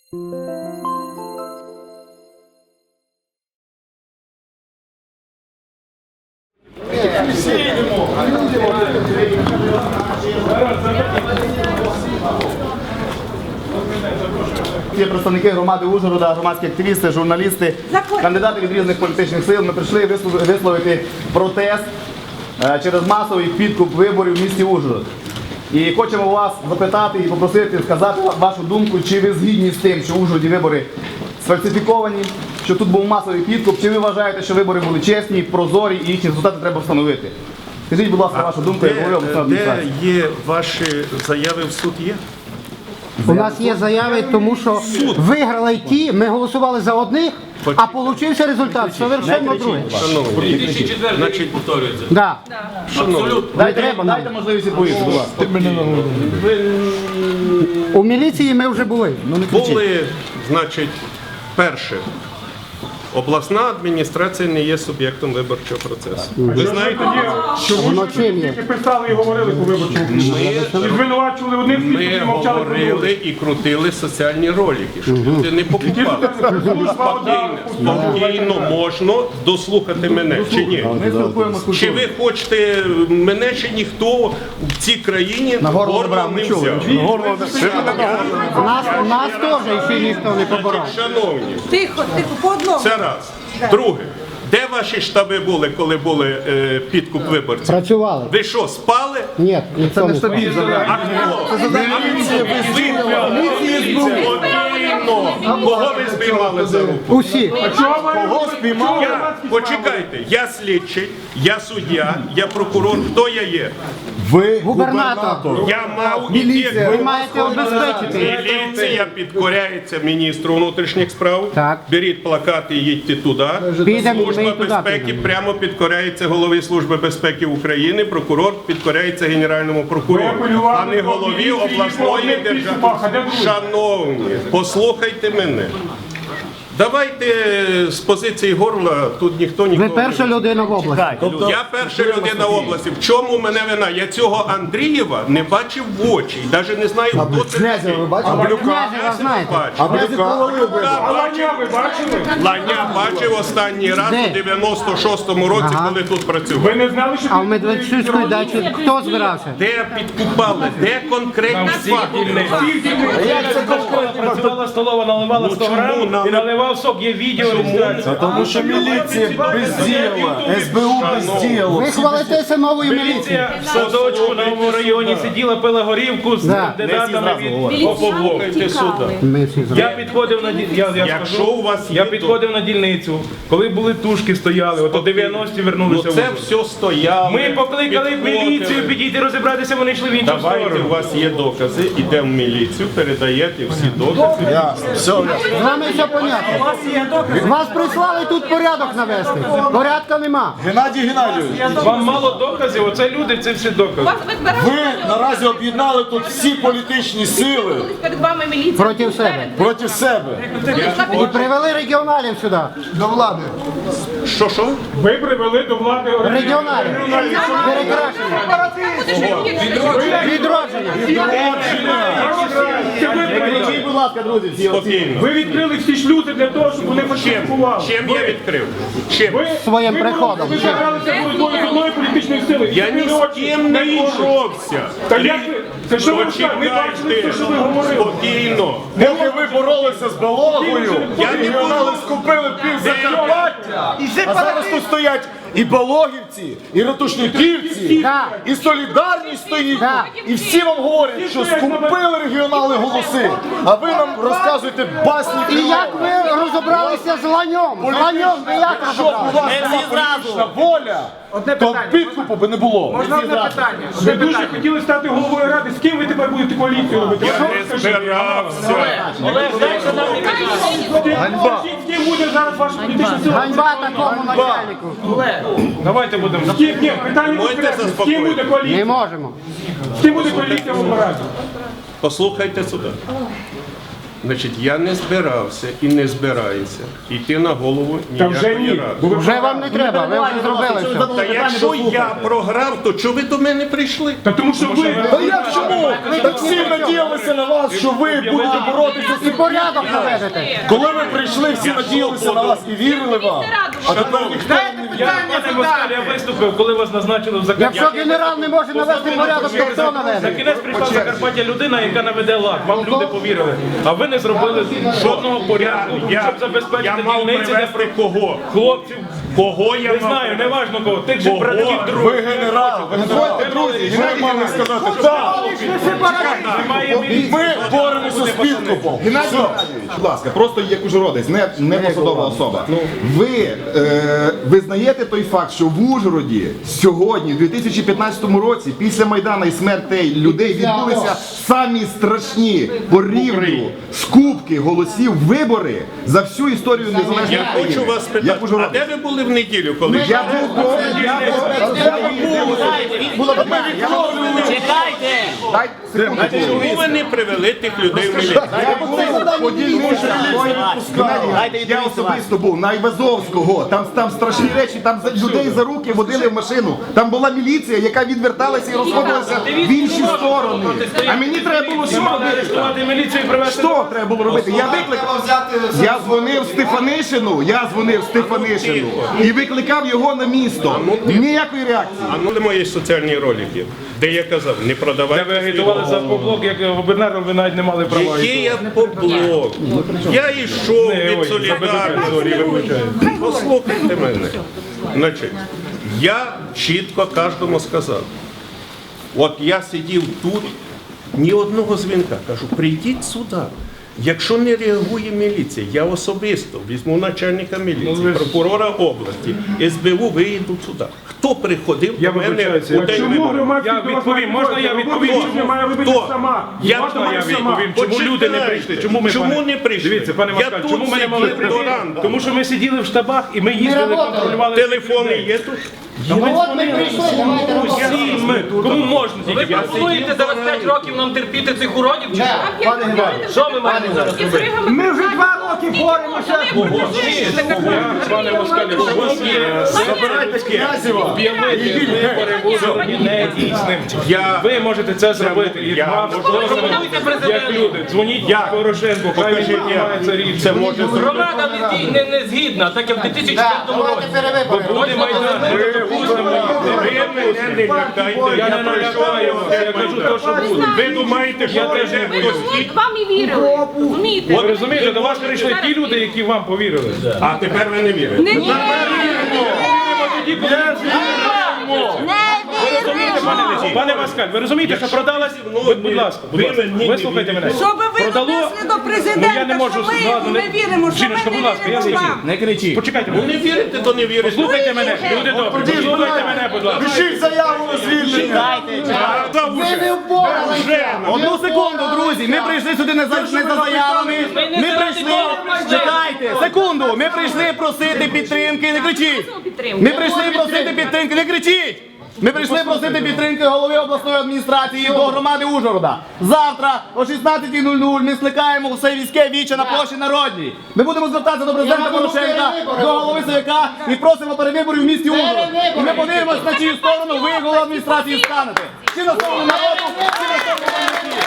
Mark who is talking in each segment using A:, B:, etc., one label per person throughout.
A: Є представники громади Ужгорода, громадські активісти, журналісти, кандидати від різних політичних сил. Ми прийшли висловити протест через масовий підкуп виборів в місті Ужгород. І хочемо вас запитати і попросити сказати вашу думку, чи ви згідні з тим, що в Ужгороді вибори сфальсифіковані, що тут був масовий підкуп, чи ви вважаєте, що вибори були чесні, прозорі і їхні результати треба встановити. Скажіть, будь ласка, вашу думку, як голови обласної адміністрації.
B: Де є ваші заяви в суд є?
C: У нас є заяви, тому що виграли ті, ми голосували за одних, а получився результат совершенно другий.
B: Шановні,
D: 2004 рік повторюється.
C: Да.
A: Дайте можливість відповісти, будь ласка.
C: У міліції ми вже були.
B: були, значить, перше. Обласна адміністрація не є суб'єктом виборчого процесу. Ви знаєте,
C: Воно чим є?
E: Писали і говорили по виборчому. І звинувачували одних
B: ми
E: і мовчали про других.
B: говорили і крутили соціальні ролики, що люди не покупали. Спокійно можна дослухати мене, чи ні?
A: Ми спілкуємося з
B: Чи ви хочете мене, чи ніхто в цій країні горло не взяв?
C: Нас теж ще ніхто не поборов.
B: Шановні,
F: Тихо, тихо, по одному.
B: це раз. Друге, де ваші штаби були, коли були підкуп виборців?
C: Працювали.
B: Ви що, спали?
C: Ні, ніхто не спав.
B: А хто? Спокійно. Кого ви спіймали за руку?
C: Усі.
E: Кого спіймали?
B: Почекайте, я слідчий, я суддя, я прокурор. Хто я є?
C: Губернатор.
B: Я мав
C: Ви маєте обезпечити.
B: Міліція підкоряється міністру внутрішніх справ.
C: Так.
B: Беріть плакати і їдьте туди.
C: Підемо, ми
B: Служба
C: і туди
B: безпеки
C: підемо.
B: прямо підкоряється голові Служби безпеки України. Прокурор підкоряється генеральному прокурору, а не голові обласної держави. Шановні, послухайте мене. Давайте з позиції горла, тут ніхто
C: Ви
B: нікого.
C: перша людина в області.
B: Я перша людина в області. В чому мене вина? Я цього Андрієва не бачив в очі. І навіть не знаю, хто це такий.
C: Князева знаєте.
E: Ланя ви бачили?
B: Ланя бачив останній раз
C: Де?
B: у 96-му році, коли тут працював.
E: Ви не знали, що
C: А в Медведчуцькій дачі хто збирався?
B: Де підкупали? Де конкретні факти?
D: Працювала столова, наливала 100 грам і наливав сок, є відео реєстрації.
G: Тому що міліція бездіяла, СБУ бездіяло.
C: Ви хвалитеся новою міліцією.
D: Міліція в садочку на новому районі сиділа, пила горівку з
C: Да.
D: кандидатами від
B: Послухайте сюди.
C: Ми всі зробили.
D: Я підходив на
B: Якщо у вас є,
D: я підходив на дільницю, коли були тушки, стояли, ото 90-ті
B: Ну
D: вернулися.
B: це
D: в
B: все стояло.
D: Ми покликали міліцію підійти розібратися, вони йшли в іншу
B: Давайте, у
D: сторону.
B: вас є докази, ідемо в міліцію, передаєте всі докази.
C: З вами все понятно. Вас прислали тут порядок навести. Порядка нема.
G: Геннадій Геннадійович,
D: Вам мало доказів, оце люди, це всі докази.
G: ви наразі об'єднали тут всі політичні сили
F: Перед вами міліція.
C: Проти себе.
G: проти себе.
C: І привели регіоналів сюди. До влади.
B: Що?
E: ви привели до влади
C: Регіоналів. Перекрашення. Відродження.
A: Скажіть, будь ласка, друзі, всі оці.
B: Спокійно.
E: Ви відкрили всі шлюзи для того, щоб вони фальсифікували.
B: Чим я відкрив? Чим?
C: Своїм приходом.
E: Ви зібралися боротьбою з одної політичної сили.
B: Я ні з ким не боровся.
E: Та як ви? Це що ви кажете? Ми бачили
B: Почекайте,
E: все, що ви говорили.
B: спокійно.
G: Поки ви боролися з Балогою,
B: Я не
G: регіонали
B: боролся.
G: скупили пів Закарпаття. А зараз тут стоять і Балогівці, і Ратушниківці,
C: Так.
G: і Солідарність стоїть.
C: Так.
G: І всі вам говорять, що скупили регіонали голоси. А ви нам розказуєте басні.
C: І як ви розібралися з ланьом? З ланьом ви як
G: Щоб у
C: розібралися?
G: вас була політична воля, то підкупу би не було.
E: Ви дуже хотіли стати головою ради. З ким ви тепер будете коаліцію робити?
B: Я не збирався.
G: Ганьба.
E: З ким буде зараз ваша політична сила?
C: Ганьба такому начальнику.
D: Давайте будемо.
E: З ким? Ні, питання
B: Можете
E: конкретне. З ким
B: заспокоїти?
E: буде
C: Не
E: коаліція?
C: можемо.
E: З ким буде коаліція в Раді?
B: Послухайте сюди. Значить, я не збирався і не збираюся йти на голову
E: Та вже
B: ніякої
E: ні.
B: ради.
E: Бо ви
C: Вже вам не треба, ви вже зробили все.
B: Та якщо я програв, то чого ви до мене прийшли?
E: Та тому що ви...
G: Та як чому? Так всі надіялися на вас, що ви будете боротися з
C: І порядок наведете.
G: Коли ви прийшли, всі надіялися на вас і вірили вам. А тепер ніхто не
D: Пане Москаль, я виступив, коли вас назначили в
C: Якщо
D: Закарпаття.
C: генерал не може навести порядок, то хто
D: За
C: наведе?
D: кінець прийшла в Закарпаття людина, яка наведе лад. Вам люди повірили. А ви не зробили жодного порядку, щоб забезпечити
B: мав
D: дільниці для
B: привезти кого?
D: хлопців.
B: Кого я
D: Не
B: мав
D: знаю,
B: привезти?
D: неважно кого. Тих же
B: Кого?
D: братів
G: Ви
D: других.
G: генерал, ви дозвольте, друзі, Геннадій мали сказати, так,
D: Немає міліції.
G: ми боремося з підкупом. Геннадій Геннадійович, будь ласка, просто як ужгородець, не посадова особа. Ви визнаєте той факт, що в Ужгороді сьогодні, в 2015 році, після Майдану і смертей людей відбулися самі страшні по рівню скупки голосів вибори за всю історію незалежної
B: Я
G: України.
B: хочу вас
G: Як
B: питати, а
G: ужгородець.
B: де ви були в неділю, коли
G: Я був Дай секунду.
B: чому ви не привели тих людей в міліцію?
A: Дайте
G: Я особисто був на Айвазовського, там страшні речі, там людей за руки водили в машину. Там була міліція, яка відверталася і розходилася в інші сторони. А мені треба було що робити?
D: Арештувати міліцію і привезти.
G: Що треба було робити? Я викликав. Я дзвонив Стефанишину і викликав його на місто. Ніякої реакції.
B: А ну мої соціальні ролики, де я казав, не
D: Де
B: продавайте
D: ви агітували за поблок, як губернатор, ви навіть не мали права.
B: Який я поблок? Я йшов від
D: Ой,
B: солідарності. Послухайте мене. Значить, я чітко кожному сказав. От я сидів тут, ні одного дзвінка. Кажу, прийдіть сюди. Якщо не реагує міліція, я особисто візьму начальника міліції, прокурора області, СБУ виїду сюди. Хто приходив
D: Я
B: до мене
D: вибачаюся,
B: у день
E: Чому
B: виборів?
E: громадські
D: Я відповім, можна я відповім?
E: Роботу не має робити
B: Хто?
E: сама.
B: Я
E: Можна
B: можна
D: Я
E: робити сама.
D: відповім, чому люди не прийшли?
B: Чому не прийшли?
D: Дивіться, пане
B: Я
D: Москаль,
B: тут
D: чому ми не могли
B: сидів
D: прийти?
B: до ранку.
D: Тому що ми сиділи в штабах і ми їздили, контролювали.
B: Телефони є тут?
C: От ми прийшли, давайте
D: Всі ми. Кому можна тільки?
H: Ви пропонуєте зараз 5 років нам терпіти цих уродів? Чи що?
A: Пане Геннадій,
H: Що ми маємо зараз робити?
F: Ми вже 2 роки боремося.
D: Пане Москаль, якщо у вас є
G: Забирайте Князєва.
D: об'явити вибори в Ужгороді недійсним, ви можете це зробити. І вам, можливо, як люди, дзвоніть Порошенку, хай він приймається рішення.
B: Це може зробити.
H: Громада не згідна, так як в 2004 році.
D: Буде Майдан, ми не допустимо.
B: Ви мене не лякайте,
D: Я не налякаю вас, я кажу те, що буде.
B: Ви думаєте, що
D: теж
B: це
D: не
B: хтось
F: От вам і вірили. Розумієте?
D: Ви розумієте, до вас прийшли ті люди, які вам повірили.
B: А тепер ви не вірите.
F: Не вірили.
D: Пане Москаль, ви розумієте, що продалась, будь ласка, вислухайте мене.
F: Щоб ви донесли до президента,
D: я не можу,
F: що ми
D: ладно,
F: не віримо, що ми
D: Жіночка, будь
F: не
D: ласка, я
F: віримо
D: скажу.
F: вам.
A: не кричіть.
D: Почекайте,
B: Ну не вірите, то не вірите.
D: слухайте мене, люди добрі, послухайте мене, будь ласка.
G: Пишіть заяву на звільнення.
A: Одну секунду, друзі. Ми прийшли сюди не за заявами. Ми прийшли. Чекайте, секунду. Ми прийшли просити підтримки. Не кричіть. Ми прийшли просити підтримки. Не кричіть. Ми прийшли просити підтримки голови обласної адміністрації до громади Ужгорода. Завтра о 16:00 ми скликаємо все війське віче на площі Народній. Ми будемо звертатися до президента Порошенка, до голови СВК і просимо перевиборів в місті Ужгород. І ми подивимося, на чию сторону ви, голова адміністрації, станете. Чи на сторону народу, чи на сторону політики.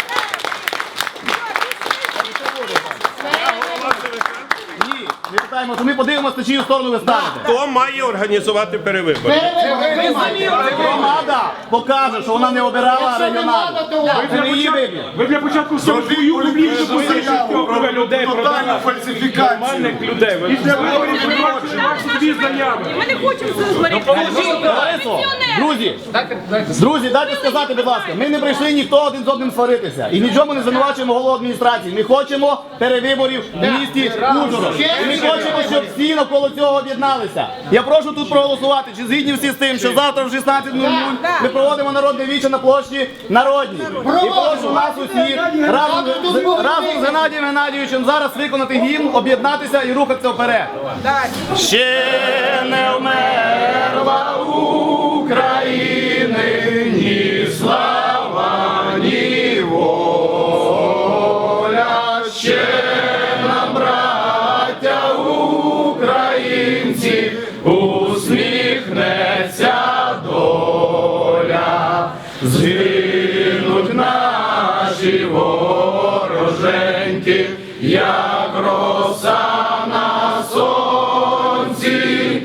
A: Ні, ми питаємо, що ми подивимося, на чию сторону ви станете.
B: Хто має організувати перевибори?
A: Громада покаже, що вона не обирала регіоналів. Це не її вибір.
E: Ви для початку свою публічну позицію.
D: Ви людей продали,
G: фальсифікацію.
D: нормальних людей. Ви
E: Для виборів ви бачите ваші дві заяви.
F: Ми не хочемо це згоріти.
A: Ларисо, друзі, дайте сказати, будь ласка, ми не прийшли ніхто один з одним сваритися. І нічому не звинувачуємо голову адміністрації. Ми хочемо перевиборів в місті Ужгород. І ми хочемо, щоб всі навколо цього об'єдналися. Я прошу тут проголосувати, чи згідні всі з тим, що завтра в 16:00 ми проводимо народне віче на площі Народній. І прошу нас усіх разом з Геннадієм Геннадійовичем зараз виконати гімн, об'єднатися і рухатися вперед. Ще не вмерла України ні слава, ні воля, ще
B: маленькі, як роса на сонці,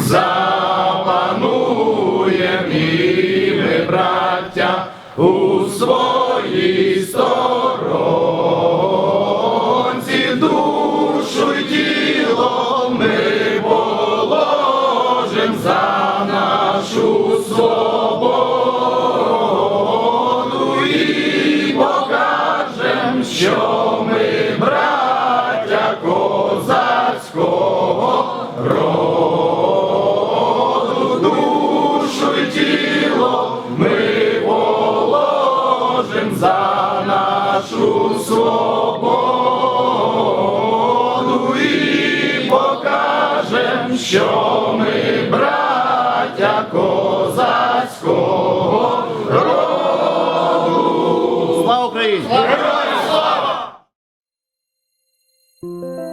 B: запануєм і ми, браття, у своїй сторонці, душу й тіло ми положим за нашу свободу і покажем, що ми браття козацького роду, душу й тіло ми положим за нашу свободу і покажем, що ми браття козацького роду.
A: Слава Україні!
B: Героям слава!